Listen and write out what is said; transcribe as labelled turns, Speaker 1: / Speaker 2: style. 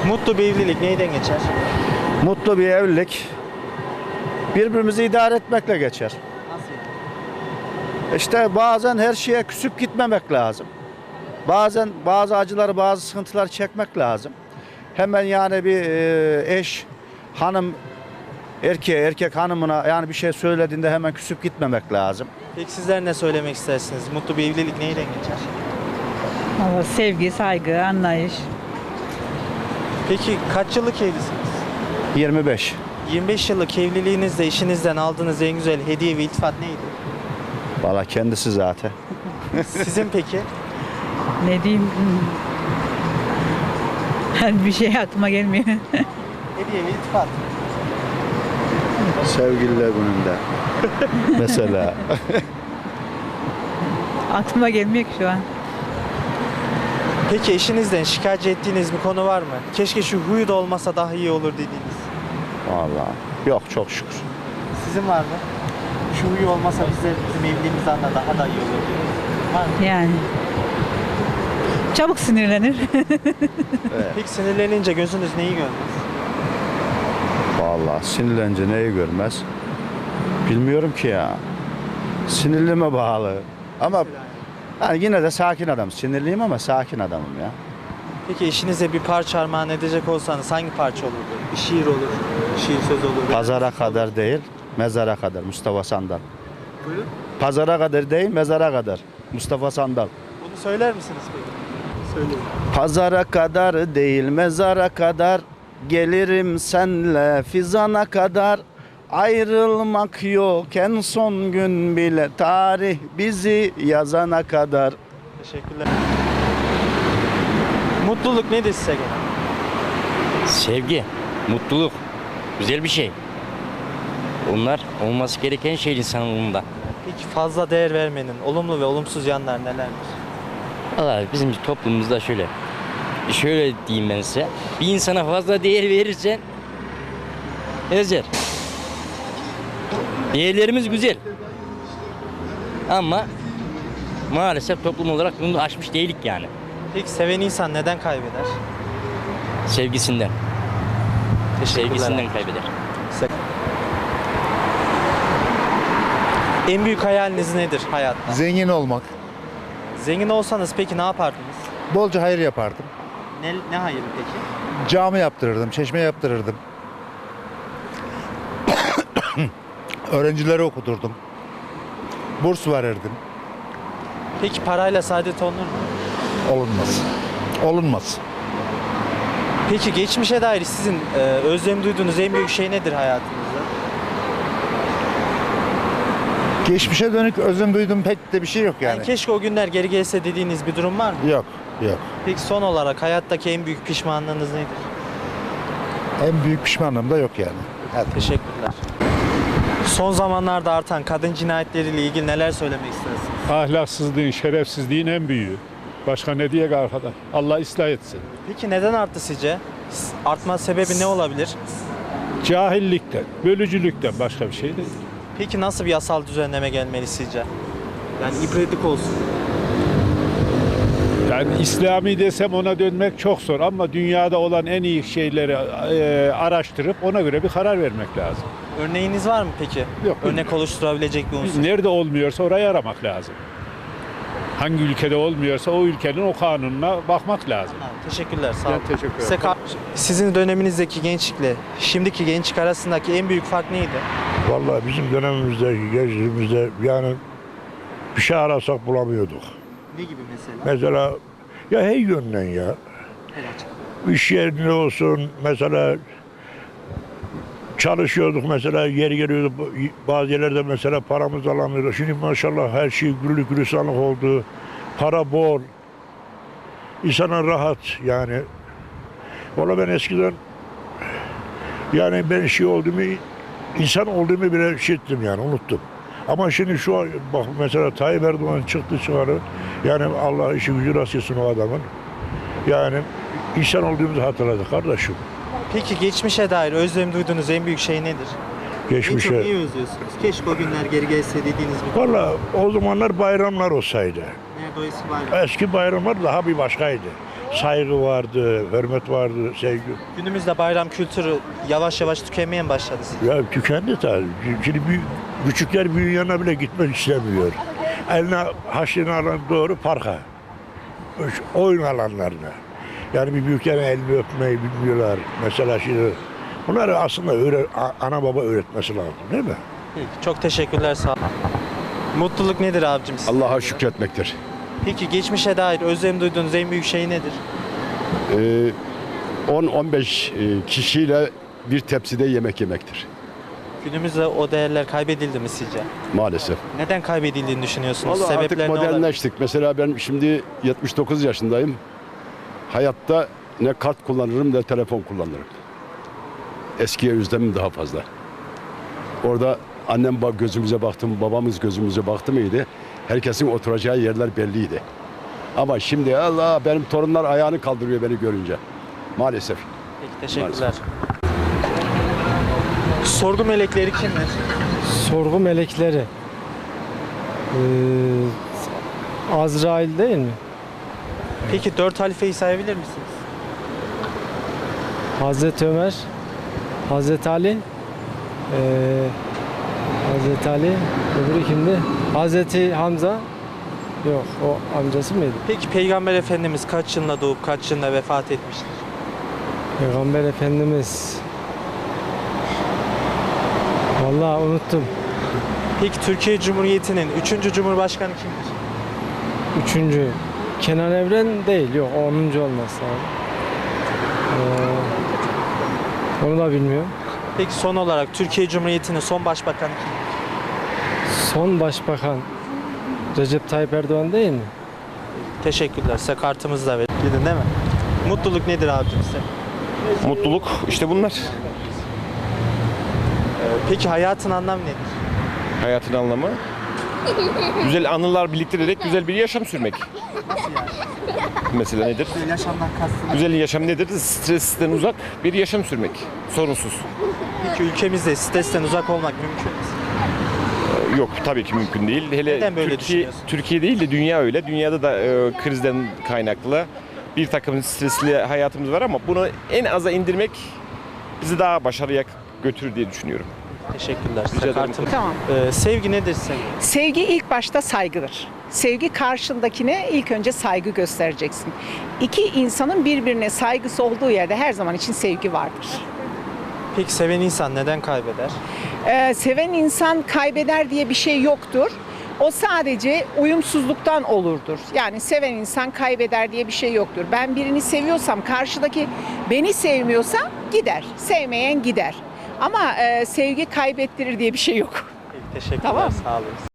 Speaker 1: Mutlu bir evlilik neyden geçer?
Speaker 2: Mutlu bir evlilik birbirimizi idare etmekle geçer.
Speaker 1: Nasıl yani?
Speaker 2: İşte bazen her şeye küsüp gitmemek lazım. Bazen bazı acıları, bazı sıkıntıları çekmek lazım. Hemen yani bir eş, hanım erkeğe, erkek hanımına yani bir şey söylediğinde hemen küsüp gitmemek lazım.
Speaker 1: Peki sizler ne söylemek istersiniz? Mutlu bir evlilik neyden geçer?
Speaker 3: Ama sevgi, saygı, anlayış.
Speaker 1: Peki kaç yıllık evlisiniz?
Speaker 2: 25.
Speaker 1: 25 yıllık evliliğinizde eşinizden aldığınız en güzel hediye ve iltifat neydi?
Speaker 2: Valla kendisi zaten.
Speaker 1: Sizin peki?
Speaker 3: Ne diyeyim? Bir şey aklıma gelmiyor.
Speaker 1: Hediye ve iltifat.
Speaker 2: Sevgililer gününde. Mesela.
Speaker 3: Aklıma gelmiyor ki şu an.
Speaker 1: Peki eşinizden şikayet ettiğiniz bir konu var mı? Keşke şu huyu da olmasa daha iyi olur dediğiniz.
Speaker 2: Valla. Yok çok şükür.
Speaker 1: Sizin var mı? Şu huyu olmasa bizim evliliğimizden de daha da iyi olur dediğiniz. Var mı?
Speaker 3: Yani. Çabuk sinirlenir.
Speaker 1: Peki sinirlenince gözünüz neyi görmez?
Speaker 2: Valla sinirlenince neyi görmez? Bilmiyorum ki ya. Sinirlime bağlı. Ama yani yine de sakin adam. Sinirliyim ama sakin adamım ya.
Speaker 1: Peki eşinize bir parça armağan edecek olsanız hangi parça olurdu? Bir şiir olur, şiir söz olur.
Speaker 2: Pazara kadar değil, mezara kadar Mustafa Sandal.
Speaker 1: Buyurun.
Speaker 2: Pazara kadar değil, mezara kadar Mustafa Sandal.
Speaker 1: Bunu söyler misiniz peki? Söyleyin.
Speaker 2: Pazara kadar değil, mezara kadar gelirim senle fizana kadar. Ayrılmak yok en son gün bile tarih bizi yazana kadar.
Speaker 1: Teşekkürler. Mutluluk nedir size göre?
Speaker 4: Sevgi, mutluluk, güzel bir şey. Onlar olması gereken şey insanlığında.
Speaker 1: Peki fazla değer vermenin olumlu ve olumsuz yanlar nelerdir?
Speaker 4: Valla bizim toplumumuzda şöyle diyeyim ben size. Bir insana fazla değer verirsen ezer. Değerlerimiz güzel. Ama maalesef toplum olarak bunu aşmış değilik yani.
Speaker 1: Peki seven insan neden kaybeder?
Speaker 4: Sevgisinden. Sevgisinden kaybeder.
Speaker 1: En büyük hayaliniz nedir hayatta?
Speaker 5: Zengin olmak.
Speaker 1: Zengin olsanız peki ne yapardınız?
Speaker 5: Bolca hayır yapardım.
Speaker 1: Ne hayır peki?
Speaker 5: Cami yaptırırdım, çeşme yaptırırdım. Öğrencileri okuturdum. Burs verirdim.
Speaker 1: Peki parayla saadet olunur mu?
Speaker 5: Olunmaz. Olunmaz.
Speaker 1: Peki geçmişe dair sizin özlem duyduğunuz en büyük şey nedir hayatınızda?
Speaker 5: Geçmişe dönük özlem duyduğum pek de bir şey yok yani.
Speaker 1: Keşke o günler geri gelse dediğiniz bir durum var mı?
Speaker 5: Yok, yok.
Speaker 1: Peki son olarak hayattaki en büyük pişmanlığınız nedir?
Speaker 5: En büyük pişmanlığım da yok yani. Hadi.
Speaker 1: Teşekkürler. Son zamanlarda artan kadın cinayetleriyle ilgili neler söylemek istersiniz?
Speaker 6: Ahlaksızlığın, şerefsizliğin en büyüğü. Başka ne diyek arkada? Allah ıslah etsin.
Speaker 1: Peki neden arttı sizce? Artma sebebi ne olabilir?
Speaker 6: Cahillikten, bölücülükten başka bir şey değil.
Speaker 1: Peki nasıl bir yasal düzenleme gelmeli sizce? Yani ibretlik olsun.
Speaker 6: Yani İslami desem ona dönmek çok zor ama dünyada olan en iyi şeyleri araştırıp ona göre bir karar vermek lazım.
Speaker 1: Örneğiniz var mı peki?
Speaker 6: Yok,
Speaker 1: Örnek oluşturabilecek bir unsur.
Speaker 6: Nerede olmuyorsa orayı aramak lazım. Hangi ülkede olmuyorsa o ülkenin o kanununa bakmak lazım.
Speaker 1: Ha, teşekkürler, sağ olun.
Speaker 6: Ben teşekkür ederim.
Speaker 1: Sizin döneminizdeki gençlikle şimdiki gençlik arasındaki en büyük fark neydi?
Speaker 7: Vallahi bizim dönemimizde, gençliğimizde yani bir şey arasak bulamıyorduk.
Speaker 1: Ne gibi mesela?
Speaker 7: Mesela ya her yönden ya. İş yerinde olsun mesela çalışıyorduk mesela yeri geliyordu bazı yerlerde mesela paramız alamıyorduk. Şimdi maşallah her şey güllük gülistanlık oldu. Para bol. İnsana rahat yani. Valla ben eskiden yani ben şey olduğumu insan olduğumu bile işittim yani unuttum. Ama şimdi şu an bak mesela Tayyip Erdoğan çıktı çıkarı yani Allah işi gücü rast etsin o adamın. Yani insan olduğumuzu hatırladık kardeşim.
Speaker 1: Peki geçmişe dair özlem duyduğunuz en büyük şey nedir? En çok
Speaker 7: Geçmişe.
Speaker 1: neyi özlüyorsunuz? Keşke o günler geri gelse dediğiniz bir konu.
Speaker 7: Valla o zamanlar bayramlar olsaydı.
Speaker 1: Nerede o eski bayram?
Speaker 7: Eski bayramlar daha bir başkaydı. saygı vardı, hürmet vardı, sevgi.
Speaker 1: Günümüzde bayram kültürü yavaş yavaş tükenmeye mi başladı sizce?
Speaker 7: Ya tükendi tabii. Şimdi küçükler büyüğün yanına bile gitmek istemiyor. Eline haşını alan doğru parka. Oyun alanlarına. Yani bir büyüklerin elini öpmeyi bilmiyorlar. Mesela şimdi bunları aslında ana baba öğretmesi lazım değil mi?
Speaker 1: Peki, çok teşekkürler, sağ olun. Mutluluk nedir abicim sizin?
Speaker 8: Allah'a şükretmektir.
Speaker 1: Peki geçmişe dair özlem duyduğunuz en büyük şey nedir?
Speaker 8: 10-15 kişiyle bir tepside yemek yemektir.
Speaker 1: Günümüzde o değerler kaybedildi mi sizce?
Speaker 8: Maalesef.
Speaker 1: Neden kaybedildiğini düşünüyorsunuz?
Speaker 8: Vallahi artık
Speaker 1: Sebepler ne olabilir?
Speaker 8: modernleştik. Mesela ben şimdi 79 yaşındayım. Hayatta ne kart kullanırım ne telefon kullanırım. Eskiye özlemim daha fazla. Orada annem gözümüze baktı mı, babamız gözümüze baktı mıydı? Herkesin oturacağı yerler belliydi. Ama şimdi Allah, benim torunlar ayağını kaldırıyor beni görünce. Maalesef.
Speaker 1: Peki, teşekkürler. Sorgu melekleri kimdir?
Speaker 9: Sorgu melekleri. Azrail değil mi?
Speaker 1: Peki 4 halifeyi sayabilir misiniz?
Speaker 9: Hazreti Ömer, Hazreti Ali, Hazreti Ali, öbürü kimdi? Hazreti Hamza, yok o amcası mıydı?
Speaker 1: Peki Peygamber Efendimiz kaç yılında doğup kaç yılında vefat etmiştir?
Speaker 9: Peygamber Efendimiz. Vallahi unuttum.
Speaker 1: Peki Türkiye Cumhuriyeti'nin 3. Cumhurbaşkanı kimdir?
Speaker 9: Üçüncü. Kenan Evren değil, yok o 10. olması lazım. Onu da bilmiyorum.
Speaker 1: Peki son olarak Türkiye Cumhuriyeti'nin son başbakanı kimdir?
Speaker 9: Son başbakan Recep Tayyip Erdoğan değil mi?
Speaker 1: Teşekkürler. Size kartımızı da verin. Gidin değil mi? Mutluluk nedir abicim size?
Speaker 10: Mutluluk işte bunlar.
Speaker 1: Peki hayatın anlamı nedir?
Speaker 10: Hayatın anlamı. Güzel anılar biriktirerek güzel bir yaşam sürmek. Mesela nedir?
Speaker 1: Yaşamdan kastınız.
Speaker 10: Güzel yaşam nedir? Stresten uzak bir yaşam sürmek. Sorunsuz.
Speaker 1: Peki ülkemizde stresten uzak olmak mümkün mü?
Speaker 10: Yok tabii ki mümkün değil. Hele
Speaker 1: Neden böyle düşünüyorsun?
Speaker 10: Türkiye değil de dünya öyle. Dünyada da krizden kaynaklı bir takım stresli hayatımız var ama bunu en aza indirmek bizi daha başarıya götürür diye düşünüyorum.
Speaker 1: Teşekkürler. Size
Speaker 10: Rica ederim.
Speaker 1: kartımı.
Speaker 11: Tamam.
Speaker 1: Sevgi nedir sevgi?
Speaker 11: Sevgi ilk başta saygıdır. Sevgi karşındakine ilk önce saygı göstereceksin. İki insanın birbirine saygısı olduğu yerde her zaman için sevgi vardır.
Speaker 1: Peki seven insan neden kaybeder?
Speaker 11: Seven insan kaybeder diye bir şey yoktur. O sadece uyumsuzluktan olurdur. Yani seven insan kaybeder diye bir şey yoktur. Ben birini seviyorsam karşıdaki beni sevmiyorsa gider. Sevmeyen gider. Ama sevgi kaybettirir diye bir şey yok.
Speaker 1: Peki, teşekkürler.
Speaker 11: Tamam.
Speaker 1: Sağ olun.